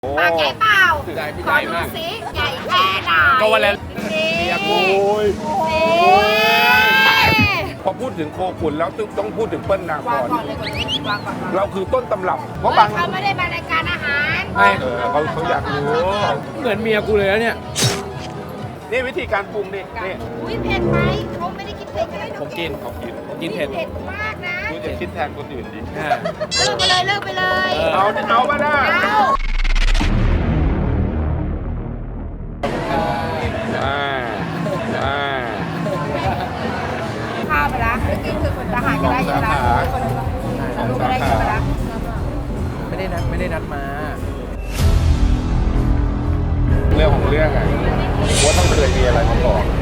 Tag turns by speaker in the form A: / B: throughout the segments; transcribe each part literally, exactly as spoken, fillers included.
A: ปากใหญ่เปล่า
B: ใหญ่พี่
A: ข
B: ให
A: อ
B: ญ่
A: ดู
B: มาก
A: สิใหญ่แค่ไหน
B: ก็วันแล้ว
A: นี่
B: เรียก
C: โอ้ย
A: นี่
C: พอพูดถึงโคขุนแล้วต้องพูดถึงเปิ้ลนาค
A: วาง
C: ร
A: ก่อนเลยก่อนเล่นวางก่อนวาง
C: เราคือต้นตำรับเพราะ
A: เฮ้
C: บาย ง
A: เขาไม่ได้มารายการอาหาร
C: ไม่เออเขาเขาอยากรู้
B: เหมือนเมียกูเลยแล้วเนี่ย
C: นี่วิธีการปรุงนี่นี่
A: อุ้ยเผ็ดไหมเขาไม่ได้กินเผ็ดกันเลย
B: ผมกิน
C: เขากิน
B: ผมกินเผ็ด
A: เผ็ดมากนะ
C: คุณจะคิดแทนคนอื่นดิ
B: อ่า
A: เลิกไปเลยเลิกไปเลย
B: เออ
C: เอาเอามาได้
A: เอา
C: อ่าอ่า
A: ข้าวไปละไม่กินคือคนทหารก็ได้ยังไงลูกก็ได้ยังไงละ
B: ไม่ได้นัดไม่ได้นัดมา
C: เรื่องของเรื่องอะว่าต้องเคยมีอะไรมาก่อน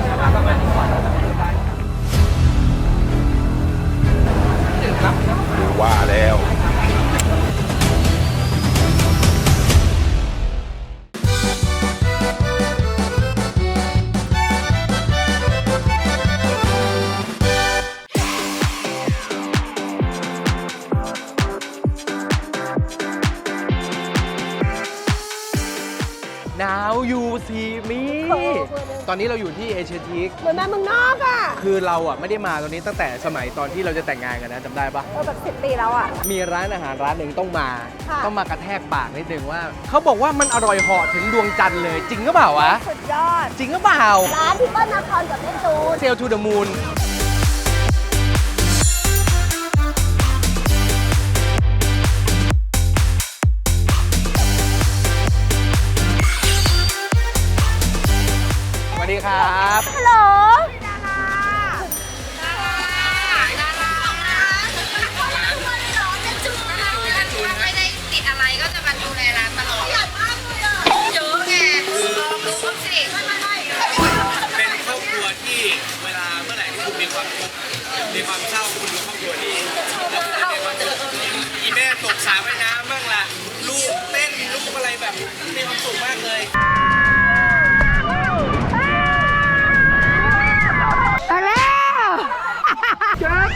C: ว่าแล้ว
B: Now you see me ตอนนี้เราอยู่ที่เอเชียทีค
D: เหมือนมาเมืองนอกอ่ะ
B: คือเราอ่ะไม่ได้มาตรงนี้ตั้งแต่สมัยตอนที่เราจะแต่งงานกันนะจำได้ปะ
D: เออแบบสิบปีแล้วอ่ะ
B: มีร้านอาหารร้านหนึ่งต้องมา
D: ค่ะ
B: ต้องมากระแทกปากนิดนึงว่า เขาบอกว่ามันอร่อยเหาะถึงดวงจันทร์เลย จริงหรือเปล่าวะ
D: สุดยอด
B: จริงหรือเปล่า
D: ร้านที่เปิ้ลนาครกับแม่จูน
B: เซลทูเดอะมูนสวัสดีครับ
D: ฮัลโหล
A: ไม่ได้ติดอะไรก็จะมาดูแลร้านตลอดเยอะไงลองดูบ้างสิ
E: เป็นครอบครัวที่เวลาเมื่อไหร่ที่คุณมีความทุกข์มีความเศร้าคุณดูครอบครัวนี้แล้วคุณจะมีความสุขอีแม่ตกสระว่ายน้ำบ้างล่ะลูกเต้นลูกอะไรแบบมีความสุขมากเลย
A: มาแล้ว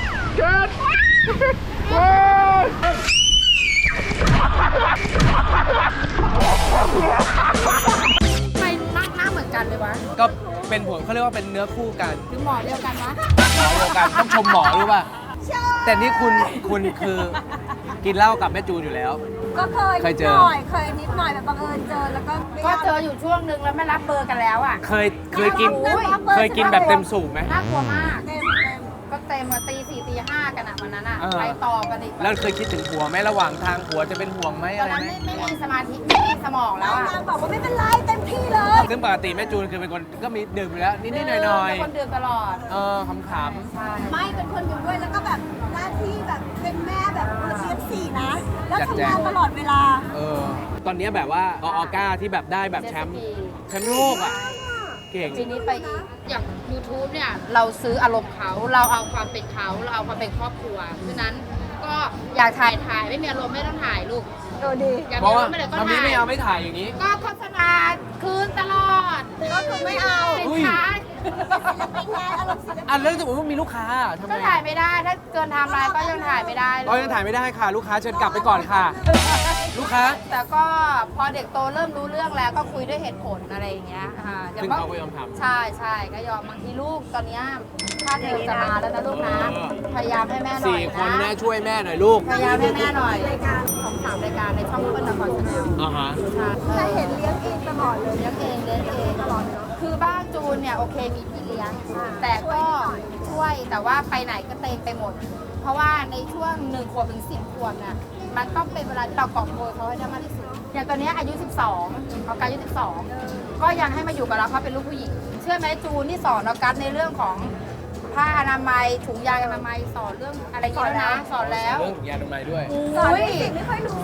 A: ทำไมหน้าหน้าเหมือนกันเลยวะ
B: ก็เป็นผลเขาเรียกว่าเป็นเนื้อคู่กัน
A: ถึงหมอเดียวกันวะ
B: หมอเดียวกันต้องชมหมอรู้ป่ะ แต่นี่คุณคุณคือกินเหล้ากับแม่จูนอยู่แล้ว
D: ก็เคย
B: เคย
D: นิด
B: เจอ
D: หน่อย เคยนิดหน่อยแบบบังเอิญเจอแล้วก็ไม่
A: ก็
D: ยาก
A: เจออยู่ช่วงนึงแล้วไม่รับเบอร์กันแล้วอ่ะ
B: เคยเคยกิน
D: โอ้ย
B: เคยกินแบบเต็มสูบไหม
A: น่ากลัวมาก
D: เต็มเต็ม
A: ก็เต็มมาตีสี่ตีห้ากันอ่ะวันนั้นอ่ะ
B: เออ
A: ไปต่อกันอีก
B: แล้วเคยคิดถึงผัวไหมระหว่างทางผัวจะเป็นห่วงไหม
A: ตอ
B: อะ
A: น
B: ไร
A: นั้น
B: ไหม
A: ไม่ไม่มีสมาธิไม่มีสมองแล้ว
D: นาง
A: อ่ะ
D: นางบอกว่าไม่เป็นไรเต็มที่เลย
B: ซึ่งปกติแม่จูนคือเป็นคนก็มีดื่มอยู่แล้วนิดๆหน่อย
A: เป็นคนดื่มตลอด
B: ๆเออขำ
A: ใช่
D: ไม่เป็นคนอยู่ด้วยแล้วก็แบบหน้าที่แบบเป็นแม่แบบเอฟซีนะ แล้วทำงานตลอดเวลา
B: ๆเออตอนนี้แบบว่าออก้าที่แบบได้แบบแชมป์แชมป์โลกอ่ะเก่ง
A: ทีนี้ไปอีกอย่าง YouTube เนี่ย เราซื้ออารมณ์เขา เราเอาความเป็นเขา เราเอาความเป็นครอบครัวฉะนั้นก็อยากถ่ายถ่ายไม่มีอารมณ์ไม่ต้องถ่ายลูก
D: เออดี
A: อยาก
B: เพ
A: มี
B: ราะ
A: อา
B: ว่าร
A: มณ์ไม่ได้ก็
B: ทำนี้
A: ถ่าย
B: ไม่เอาไม่ถ่ายอย่างนี้
A: ก็โฆษณาคืนตลอด
D: ก็คือไม่เอา
A: สิน
B: อุ้ย
A: ค้า
D: เป็นงานอารมณ์ศิลปิน
B: อ่ะแล้วถ้าสมมติว่ามีลูกค้าทำไง
A: ก็ถ่ายไม่ได้ ถ้าเกินไทม์ไลน์ก็ยังถ่ายไม่ได้เล
B: ก็ยังถ่ายไม่ได้ค่ะ ลูกค้าเชิญกลับไปก่อนค่ะ ลูกค้า
A: แต่ก็พอเด็กโตเริ่มรู้เรื่องแล้วก็คุยด้วยเหตุผลอะไรอย่างเงี้ยอ่าอย่
B: ซึ่ง
A: ว่
B: เขาก็ยอมทำ
A: ใช่ใช่ก็ยอมบางทีลูกตอนเนี้ยค่าเทอมจะมาแล้วนะลูกนะ
B: เออ
A: พยายามให้แม่หน่อย
B: สี่คน
A: นะ
B: แม่ช่วยแม่หน่อยลูก
A: พยายามให้แม่หน่อยรายการสองสามรายการในช่องเปิ้ลนครชาแนล
B: อ่าฮะ
A: ใช่
D: แต่เห็นเลี้ยงเองตลอดเลย
A: เลี้ยงเองเลี้ยงเองตลอดเนาะคือบ้านจูนเนี่ยโอเคมีพี่เลี้ยง แต่ก็ช่วยแต่ว่าไปไหนก็เต็มไปหมด เพราะว่าในช่วงหนึ่งขวบถึงสิบขวบน่ะมันต้องเป็นเวลาที่เรากอบโกยเขาให้ได้มากที่สุดอย่างตอนเนี้ยอายุสิบสองเขาอายุสิบสองก็ยังให้มาอยู่กับเราเพราะเป็นลูกผู้หญิง เชื่อไหมจูนที่สอนเรากัดในเรื่องของผ้าอนามัยถุงยางอนามัยสอนเรื่องอะไรอย่างเงี้ยนะสอนแล้ว
B: เรื่องยาดมไม้ด้วย
D: สอน
A: อุ้ย
D: เด็กๆไม่ค่อยรู้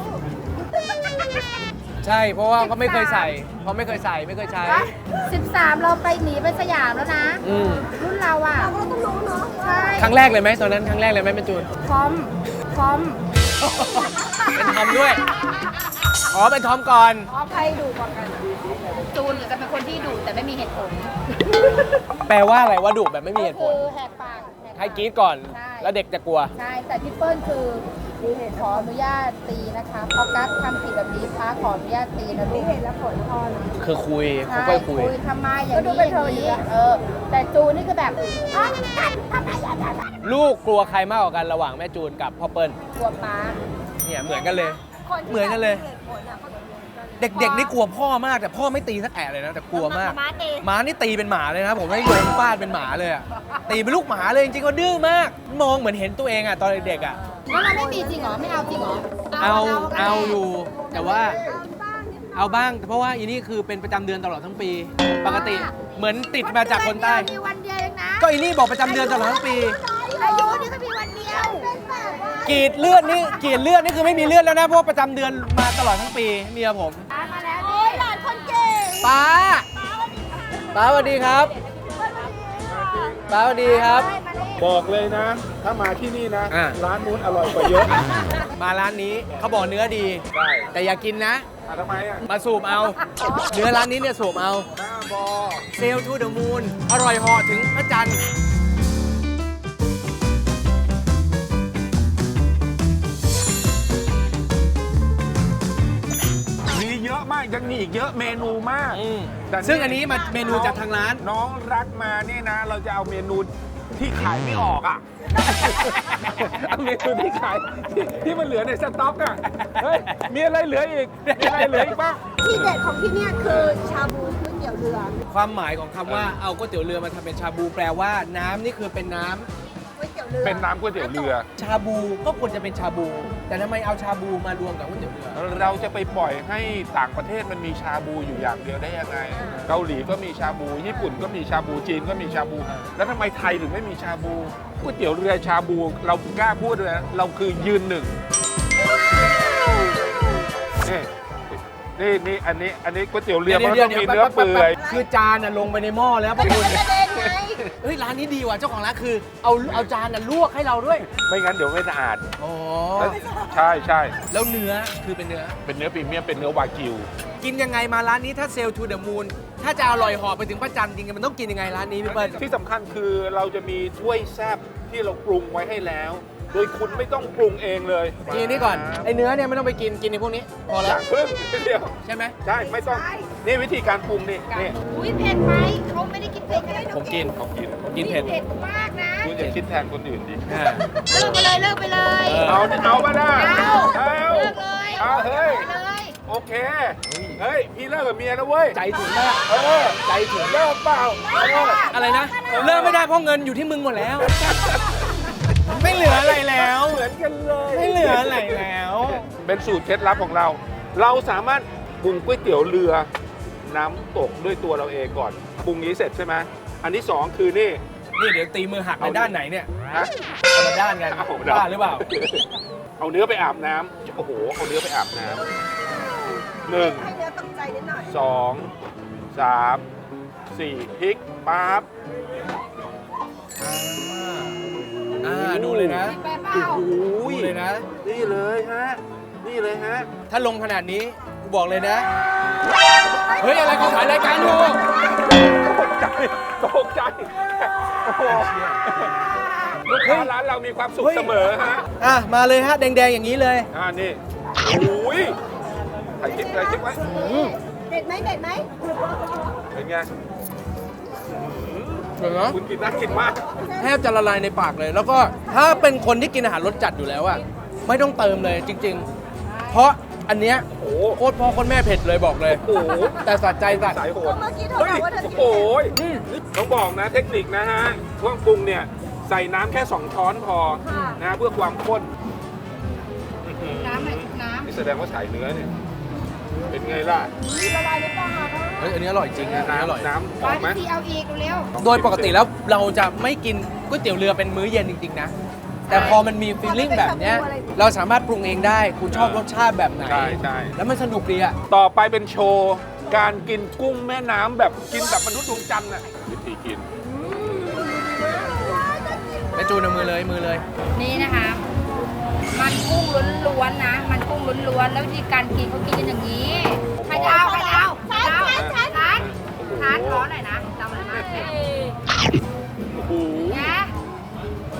B: ใช่ เพราะว่าก็ไม่เคยใส่ เพราะไม่เคยใส่ไม่เคยใช้
A: สิบสามเราไปหนีไปสยามแล้วนะ
B: อืม
A: รุ่นเราอ่ะ
D: เราก็ต้องรู้เนาะ
A: ใช่
B: ครั้งแรกเลยไหมตอนนั้นครั้งแรกเลยไหมเป็นจูน
A: พร้อมพร้อม
B: เป็นทอมด้วย อ๋อเป็นทอมก่อน
A: อ๋อใครดูก่อนกัน จูนหรือจะเป็นคนที่ดูแต่ไม่มีเหตุผล
B: แปลว่าอะไรว่าดุแบบไม่มีเหตุผ
A: คื
B: ล
A: อแหกปากแหก
B: ให้กรี๊ดก่อน
A: ใช่
B: แล้วเด็กจะกลัว
A: ใช่ แต่พี่เปิ้ลคือขออนุญาตตีนะคะเพราะกัสทำผิดแบบนี้ฟ้าขออนุญาตตีนะลูกเห็นแล้วผลพอนะ
B: คือคุย
A: ใช่
B: ค่อยๆคุย
A: คุยทำไมอย่างนี้อย่างนี้เออ แต่จูนนี่คือแบบอ๋อกัดทำไมอย่างนั้น
B: ลูกกลัวใครมากกว่ากันระหว่างแม่จูนกับพ่อเปิ้ล
A: กลัวป้า
B: เนี่ยเหมือนกันเลย
D: คนที่
B: เหมือนกันเลย
D: แบบมีหตุผลอะเขา
B: เด็กๆนี่กลัวพ่อมากแต่พ่อไม่ตีสักแอะเลยนะแต่กลัวมาก
D: ม้าตี
B: หมานี่ตีเป็นหมาเลยนะผมให้โยนฟาดเป็นหมาเลยอะตีเป็นลูกหมาเลยจริงๆก็ดื้อมาก มองเหมือนเห็นตัวเองอะตอนเด็กๆอะ
A: แล้วเราไม่มีจริงเหรอ ไม่เอาจริงเหรอ
B: เอาเอาอยู่ แต่ว่า
D: เอาบ้างนิดหน่อย
B: เอาบ้างเพราะว่าอีนี่คือเป็นประจำเดือนตลอดทั้งปี ปกติเหมือนติดมาจากคนใต้
A: มีวันเดียวเองนะ
B: ก็อีนี่บอกประจำเดือนตลอดทั้งปี
A: อายุนี่ก็มีวันเดียว
D: เป็นแบบว่าก
B: รีดเลือดนี่กรีดเลือดนี่คือไม่มีเลือดแล้วนะเพราะว่าประจำเดือนมาตลอดทั้งปีเมียผม
A: มาแล้ว
D: โอ้ยหลานคนเก่ง
B: ป้าป้าสวัสดีครับป้าสวัสดีครับ
C: บอกเลยนะ ถ้ามาที่นี่นะ
B: อ่ะ
C: ร้านนู้นอร่อยกว่าเยอะ
B: มาร้านนี้เขาบอกเนื้อดี
C: ใช่
B: แต่อย่ากินนะ
C: อ่ะทำไมอ่ะ
B: มาสูบเอา เนื้อร้านนี้เนี่ยสูบเอา
C: หน้าบอ
B: เซลทูเดอะมูนอร่อยเหอถึงพระจันทร์
C: มีเยอะมากยังมีอีกเยอะเมนูมาก
B: อืม
C: แต่
B: ซึ่งอันนี้มาเมนูจากทางร้าน
C: น้องรักมาเนี่ยนะ เราจะเอาเมนูที่ขายไม่ออกอ่ะ เอาเมนูที่ขายที่ที่มันเหลือในสต็อกอ่ะ เฮ้ย มีอะไรเหลืออีก มีอะไรเหลืออีกบ้าง
D: ที่เด็ดของที่เนี่ยคือชาบูก๋วยเตี๋ยวเรือ
B: ความหมายของคำว่าเอาก๋วยเตี๋ยวเรือมาทำเป็นชาบูแปลว่าน้ำนี่คือเป็นน้ำ
D: ก๋วยเตี๋ยวเรือ
C: เป็นน้ำก๋วยเตี๋ยวเรือ
B: ชาบูก็ควรจะเป็นชาบู แต่ทำไมเอาชาบูมารวมกับก๋วยเตี๋ยวเรือ
C: เราจะไปปล่อยให้ต่างประเทศมันมีชาบูอยู่อย่างเดียวได้ยังไง เกาหลีก็มีชาบู ญี่ปุ่นก็มีชาบู จีนก็มีชาบู แล้วทำไมไทยถึงไม่มีชาบูก๋วยเตี๋ยวเรือชาบู เรากล้าพูดเลยนะเราคือยืนหนึ่งนี่นี่นี่อันนี้อันนี้ก๋วยเตี๋ยวเรือมันต้องมีเนื้อเปื่อย
B: คือจานน่ะลงไปในหม้อแล้วพระคุณ
D: กระเด็นไง
B: เฮ้ยร้านนี้ดีว่ะเจ้าของร้านคือเอาเอาจานน่ะลวกให้เราด้วย
C: ไม่งั้นเดี๋ยวไม่สะอาด
B: อ๋อ
C: แล้วใช่ใช่
B: แล้วเนื้อคือเป็นเนื้อ
C: เป็นเนื้อพรีเมียมเป็นเนื้อวากิว
B: กินยังไงมาร้านนี้ถ้าเซลทูเดอะมูนถ้าจะอร่อยเหอไปถึงพระจันทร์จริงๆมันต้องกินยังไงร้านนี้พี่เปิ้ล
C: ที่สำคัญคือเราจะมีถ้วยแซ่บที่เราปรุงไว้ให้แล้ว โดยคุณไม่ต้องปรุงเองเลย
B: กินนี่ก่อนไอเนื้อเนี่ยไม่ต้องไปกินกินในพวกนี้พอ
C: อ
B: แล้
C: ย่าว เพิ่มเดียว
B: ใช่ไหม
C: ใช่ไม่ต้องนี่วิธีการปรุงนี่นี่
A: อุ้ยเผ็ดไหมเขาไม่ได้กินเผ็ดกันเลย
B: ผมกิน
C: เขากิน
B: ผมกินเผ็ด
A: เผ็ดมากนะ
C: คุณอย่าคิดแทนคนอื่นดิ
B: อ่า
A: เลิกไปเลยเลิกไปเลย
B: เออ
C: เอาเอามาได้
A: เอา
C: เอา
A: เลิกเลย
C: เอาเฮ้ย
A: ไปเลย
C: โอเคเฮ้ยพี่เลิกกับเมียนะเว้ย
B: ใจถึงมาก
C: เออใจถึงเลิกเปล่าเออ
B: อะไรนะเลิกไม่ได้เพราะเงินอยู่ที่มึงหมดแล้ว ไม่เหลืออะไรแล้ว
C: เหมือนกันเลย
B: ไม่เหลืออะไรแล้ว
C: เป็นสูตรเคล็ดลับของเรา เราสามารถปรุงก๋วยเตี๋ยวเรือน้ำตกด้วยตัวเราเองก่อนปรุงนี้เสร็จใช่ไหมอันที่สองคือนี่
B: นี่เดี๋ยวตีมือหักในด้านไหนเนี่ย
C: ฮะ
B: คนละด้านกัน
C: เอา
B: บ้าหรือเปล่า
C: เอาเนื้อไปอาบน้ำโอ้โหเอาเนื้อไปอาบน้ำหนึ่ง
D: ให้เนื้อตกใจนิดหน่อย
C: สองสามสี่พริกปั๊บ
B: อ่าดูเลยนะ
A: ไปเปล่า
C: โอ้โห
B: ดูเลยนะ
C: นี่เลยฮะนี่เลยฮะ
B: ถ้าลงขนาดนี้กูบอกเลยนะ เฮ้ย อะไรเขาถ่ายรายการอยู่
C: ตกใจตกใจโอ้โหลูกค้าร้านเรามีความสุข
B: เฮ้ย
C: เสมอฮะ
B: อ่ะ มาเลยฮะ แดง ๆ อย่างนี้เลย
C: อ่านี่โอ้ยถ่ายคลิปถ่ายคลิปไว้
D: เด็ดไหมเด็ดไหม
C: เป็นไง
B: เห็นไหม
C: คุณกินน่ากินมาก
B: แทบจะละลายในปากเลย แล้วก็ถ้าเป็นคนที่กินอาหารรสจัดอยู่แล้วอะไม่ต้องเติมเลยจริง ๆ เพราะอันเนี้ย
C: โอ้โห
B: โคตรพ่อโคตรแม่เผ็ดเลยบอกเลย
C: โอ้โห
B: แต่สัดใจสัตว์
C: สายโหด
D: เมื่อกี้เธอ
C: เฮ้ย
D: บอกว่าเธอกิน
C: โอ้ย
B: อืม
C: ต้องบอกนะเทคนิคนะฮะเครื่องปรุงเนี่ยใส่น้ำแค่สองช้อนพอนะเพื่อความข้น
A: น้ำไหนน้ำ
C: นี่แสดงว่าสายเนื้อเนี่ยเป็นไงล่ะ
D: ละลายในปาก
B: เฮ้ยอันนี้อร่อยจริงนะอันนี้อร่อย
C: น้ำห
A: ร้
C: อ
A: อ
C: ม
A: น
C: ไหม
A: ที่เอาอีกเร็ว
B: โดยปกติแล้วเราจะไม่กินก๋วยเตี๋ยวเรือเป็นมื้อเย็นจริงๆนะ แต่พอมันมีฟีลลิ่งแบบเนี้ยเราสามารถปรุงเองได้ คุณชอบรสชาติแบบไหน
C: ใช่ใช่
B: แล้วมันสนุกดีอะ
C: ต่อไปเป็นโชว์ การกินกุ้งแม่น้ำแบบกินแบบมนุษย์ดวงจันทร์น่ะวิธีกิน
B: แม่จูนเอามือเลยมือเลย
A: นี่นะคะ มันกุ้งล้วนๆนะ มันกุ้งล้วนๆแล้ววิธีการกินเขากินกันอย่างนี้ใครจะเอาใครจะเอาใครจะเอาทานทานทานร้อนหน่อยนะจำอะไรมากเลย
C: โอ้โห
A: นะ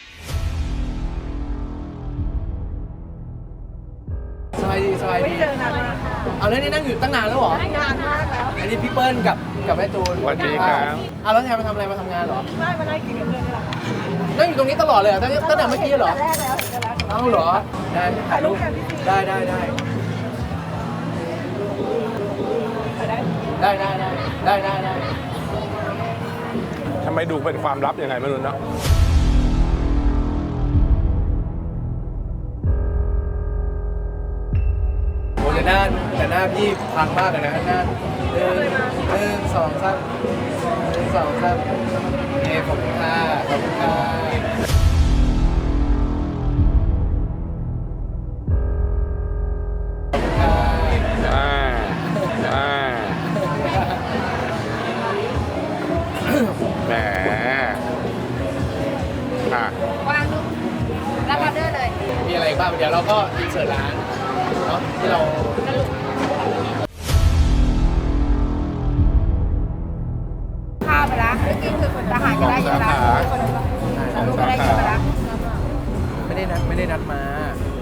B: บายดีสบายดีเอาแล้วนี่นั่งอยู่ตั้งนานแล้วเหรอนานมากแล้วอันนี้พี่เปิ้ลกับกับแม่จูน
C: สวัสดีครับ
B: อ้าวแล้วแทนมาทำอะไรมาทำงานเหรอไม่มานั่งกินกับเพื่อนนี่แหละนั่งอยู่ตรงนี้ตลอดเลยเหรอตั้งตั้งแต่เมื่อกี้เหรอแรกแล้วเอ้าเหรอได้ถ่ายรูปได้ได้ได้ได้ได้ได้ได้ได้ได้
C: ทำไมดูเป็นความลับยังไงไม่รู้เนาะ
B: โอ้แต่หน้าแต่หน้าพี่พังมากเลยนะหน้าหนึ่งหนึ่งสองสามหนึ่งสองสามเอขอบคุณค่ะขอบคุณค่ะ
C: อ่าอ่าแหมอ่ะ
A: วางดูรับออเดอร์เลย
B: มีอะไรบ้างเดี๋ยวเราก็อินเสิร์ตร้านเนาะที่เรา
A: ข้าวไปละเมื่อกี้คือคนทหารจะได้ยินละลูกจะได้ยินไปละ
B: ไม่ได้นัดไม่ได้นัดมา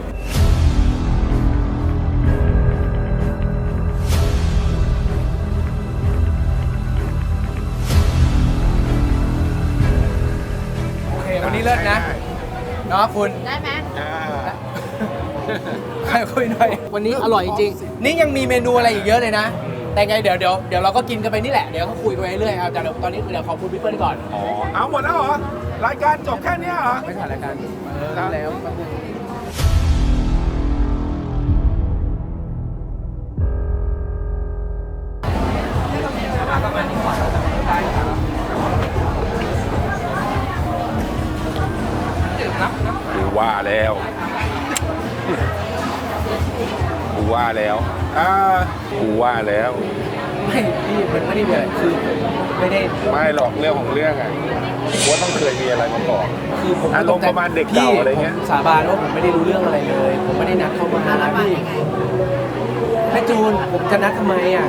B: โอเควันนี้เลิศนะเนาะคุณ
A: ได้ไหม
C: อ่า
B: ใครคุยหน่อยวันนี้อร่อยจริงๆนี่ยังมีเมนูอะไรอีกเยอะเลยนะ แต่ไงเดี๋ยวเดี๋ยวเดี๋ยวเราก็กินกันไปนี่แหละเดี๋ยวก็คุยไปเรื่อยๆเอาแต่เดี๋ยวตอนนี้เดี๋ยวขอบคุณพี่เปิ้ลก่อน
C: อ๋อเอาหมดแล้วเหรอ รายการจบแค่เนี้ยเหรอ
B: ไม่ถ่ายรายการเออรู้แล้วแป๊บนึง
C: กูว่าแล้วกูว่าแล้วอ่ากูว่าแล้ว
B: ไม่พี่มันไม่ได้มีอะไรคือไม่ได้
C: ไม่หรอกเรื่องของเรื่องอ่ะว่าต้องเคยมีอะไรมาก่อน
B: คือผม
C: อารมณ์ประมาณเด็กเก่าอะไรเงี้ย
B: พี่ผมสาบานว่าผมไม่ได้รู้เรื่องอะไรเลย ผมไม่ได้นัดเข้ามานะพี่แม่จูนผมจะนัดทำไมอ่ะ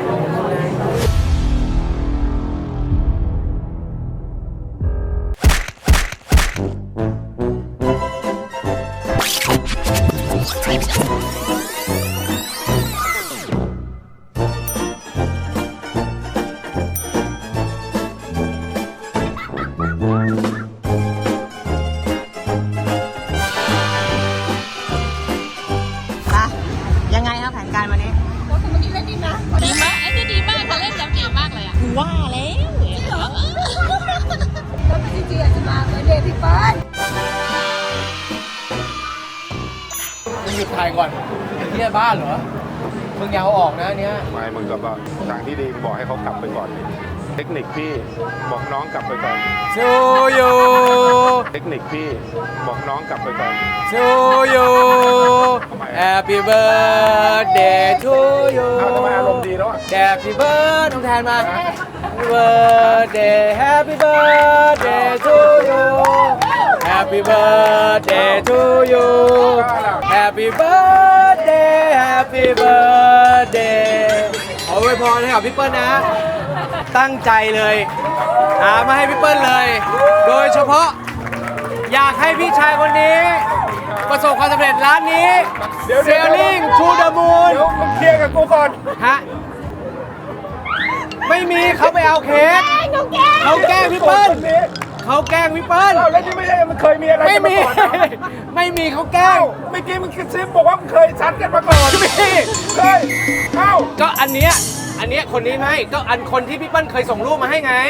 F: ยังไงครับแผนการวันนี้
G: ดีมากไอ้นี่ดีมากค่ะเล่นแล้วดีมากเลยอ่ะ
F: ว่าแล้ว
D: แล้วจริงๆอาจจะมาเบอร์เดย์พี่เปิ้ล
B: มึงหยุดถ่ายก่อนไอ้เหี้ยบ้าเหรอมึงอยาวออกนะอันเนี้ย
C: ไม่มึงก็บอกทางที่ดีบอกให้เขากลับไปก่อน เทคนิคพี่บอกน้องกลับไปก่อน
B: ชูยู
C: เทคนิคพี่บอกน้องกลับไปก่อน
B: ชูยู Happy birthday to you
C: อ้าวทำไมอารมณ์ดีแล้วอ่ะ
B: Happy birthday น้องแทนมา Happy birthday Happy birthday to you Happy birthday to you Happy birthday Happy birthday ขออวยพรให้กับพี่เปิ้ลนะ ตั้งใจเลยหามาให้พี่เปิ้ลเลย โดยเฉพาะอยากให้พี่ชายคนนี้ ประสบความสำเร็จร้านนี้ Sailing to the Moon
C: เดี๋ยวมึงเคลียร์กับกูก่อน
B: ฮะ ไม่มีเขาไปเอาเค้กเขาแกล้งพี่เปิ้ลเขาแกล้งพี่เปิ้ล
C: อ้าวแล้วที่ไม่ใช่มันเคยมีอะไร
B: ไม่
C: กัน
B: มี
C: มาก่อนนะ
B: ไม่มีเขาแกล้ง
C: เมื่อกี้มึงกระซิบบอกว่ามึงเคยชัดกันมาก่อน
B: ไม่มี
C: เคยเอ้า
B: ก็อันเนี้ยอันเนี้ยคนนี้ไม่ก็อันคนที่พี่เปิ้ลเคยส่งรูปมาให้ไง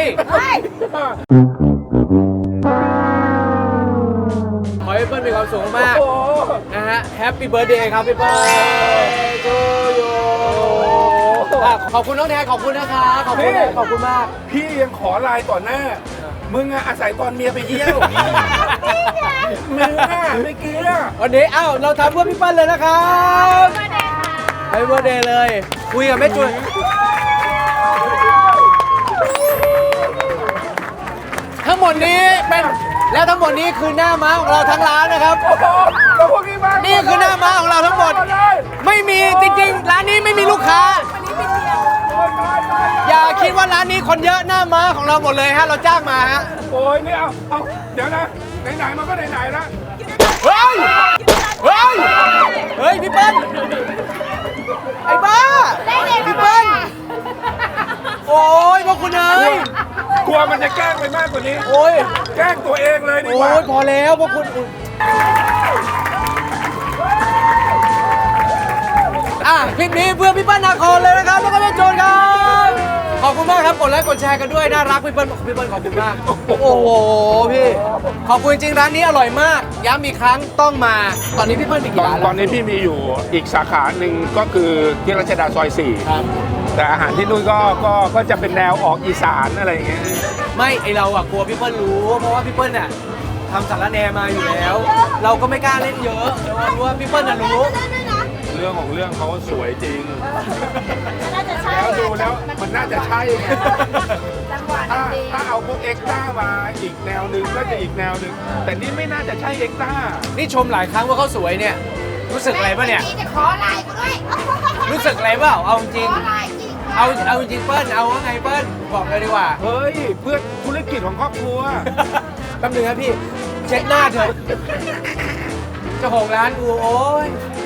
B: ขอให้พี่เปิ้ลมีความสุขมาก
C: โอ้โห
B: ๆนะฮะแฮปปี้เบิร์ดเดย์ครับพี่เปิ้ลทูยูขอบคุณน้องแทนขอบคุณนะคะขอบคุณนะขอบคุณมาก
C: พี่ยังขอไลน์ต่อหน้า มึงอะอาศัยตอนเมียไปเยี่ยวมึงอะไม่เกี้ย
B: วันนี้เอ้าเราทำเพื่อพี่เปิ้ลเลยนะครับแฮปปี้เบิร์ดเดย์เลย คุยกับแม่จุนทั้งหมดนี้เป็นแล้วทั้งหมดนี้คือหน้าม้าของเราทั้งร้านนะครับ
C: โอ้โหแล้วพวกนี้มา
B: นี่คือหน้าม้าของเราทั้งหมด ไม่มีจริงๆ ร้านนี้ไม่มีลูกค้า อย่าคิดว่าร้านนี้คนเยอะหน้าม้าของเราหมดเลยฮะ เราจ้างมาฮะ
C: โอ้ยนี่เอาเอาเดี๋ยวนะ ไหนๆมันก็ไหนๆแล้ว
B: เฮ้ยเฮ้ย เฮ้ย พี่เปิ้ลไอ้บ้า
A: ได้เด็ก
B: พี่เปิ้ลโอ้ยพวกคุณเอ้ย
C: กลัวมันจะแกล้งไปมากกว่านี้
B: โอ้ย
C: แกล้งตัวเองเลยดีก
B: โอ้
C: ว่า
B: ยพอแล้วพวกคุณอ่ะคลิปนี้เพื่อพี่เปิ้ลนาคอนเลยนะครับ แล้วก็พี่โจนครับ ขอบคุณมากครับ กดไลค์กดแชร์กันด้วย น่ารักพี่เปิ้ลพี่เปิ้ลขอบคุณมาก โอ้โหพี่ ขอบคุณจริงร้านนี้อร่อยมาก ย้ำอีกครั้งต้องมา ตอนนี้พี่เปิ้ลมี
C: ต
B: กี่
C: อน
B: ร้าน
C: ต
B: แล้
C: อ
B: วน
C: นี้พี่มีอยู่อีกสาขาหนึ่งก็คือที่รัชดาซอยสี่
B: ครับ
C: แต่อาหารที่นู่นก็ก็ก็จะเป็นแนวออกอีสานอะไรอย่างเงี้ย
B: ไม่ไอเราอะกลัวพี่เปิ้ลรู้ เพราะว่าพี่เปิ้ลเนี่ยทำสารแหนมาอยู่แล้ว เราก็ไม่กล้าเล่นเยอะแต่ว่ารู้ว่าพี่เปิ้ลน่ะรู้
C: เรื่องของเรื่องเขาสวยจริง
D: น่าจะใช่
C: แล้วดูแล้วมันน่าจะใช่ไง
A: จังหวะ
C: ถ้า
A: ดี
C: ถ้าเอาพวกเอ็กซ์ต้ามาอีกแนวหนึ่งก็จะอีกแนวหนึ่งแต่นี่ไม่น่าจะใช่เอ็กซ์ต้า
B: นี่ชมหลายครั้งว่าเขาสวยเนี่ย รู้สึกอะไรป่ะเนี่ย
A: จะขอไลน์กูด้วย
B: รู้สึกอะไรเปล่าเอาจริง
A: ขอไลน์จริง
B: เอาเอาจริงเปิ้ลเอาว่าไงเปิ้ลบอกเลยดีกว่า
C: เฮ้ย เพื่อธุรกิจของครอบครัว
B: แป๊บนึงครับพี่ เช็ดหน้าเถอะเจ้าของร้านกูโอ้ย